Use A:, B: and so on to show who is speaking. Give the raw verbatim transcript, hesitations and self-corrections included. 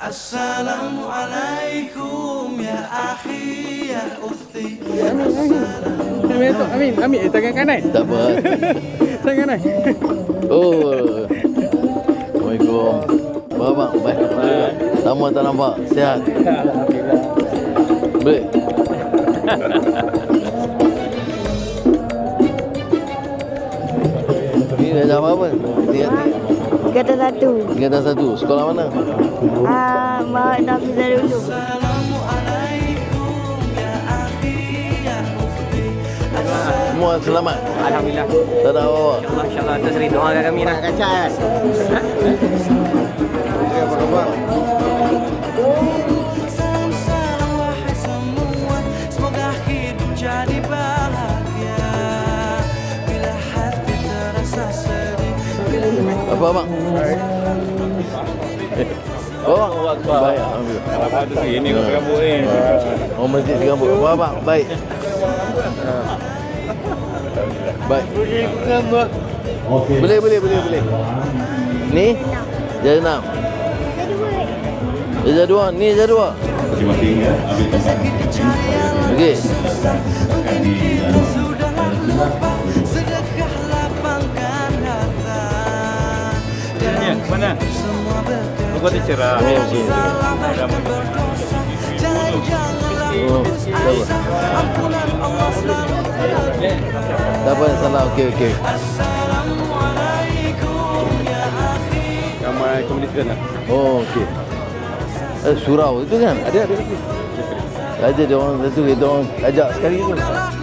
A: Assalamualaikum ya akhi ya ukhti.
B: Amin, Amin, Amin, eh, tangan kanan.
C: Tak apa.
B: Tangan kanan.
C: Oh. Assalamualaikum. Bapak, baik. Lama tak nampak. Sihat. Boleh. Ni dah jam apa? Tiga tiga.
D: Kata satu.
C: Tiga dan satu. Sekolah mana?
D: Ah, Mak Nafizah dulu.
C: Semua selamat.
E: Alhamdulillah.
C: Tak ada apa-apa.
E: InsyaAllah, insyaAllah. Atas ridha doakan kami lah.
F: Kaca kan?
C: Apa khabar?
A: Salam salam wahai semua, semoga hidup jadi bahagia. Bila hati terasa sedih,
C: Apa abang? Oh, baik. Alhamdulillah.
B: Apa tu sih? Ini kau rambut ni.
C: Oh, masjid di kampung. Apa abang? Baik. Baik. Boleh, boleh, boleh, boleh. Ni? Jaya enam. Jaya dua. Ni jaya dua.
G: Masing-masing ya, ambil tempat.
C: Okey.
A: sudahlah lupa, sedekah lapangkan harta.
B: Ya, mana?
A: Semua bekerja.
B: Kau tu cerah.
A: Salah berdosa, jangan-janganlah
C: Oh,
A: putus
C: tak apa.
A: asa. Ampunan Allah selalu
C: Tak apa, salah. Okey, okey.
A: Assalamualaikum ya akhi.
B: Ramai komunitas lah.
C: Oh, okey. Eh, surau itu kan?
B: Ada, ada lagi.
C: Ada dia orang satu, kita orang ajak sekali tu.
A: Udahlah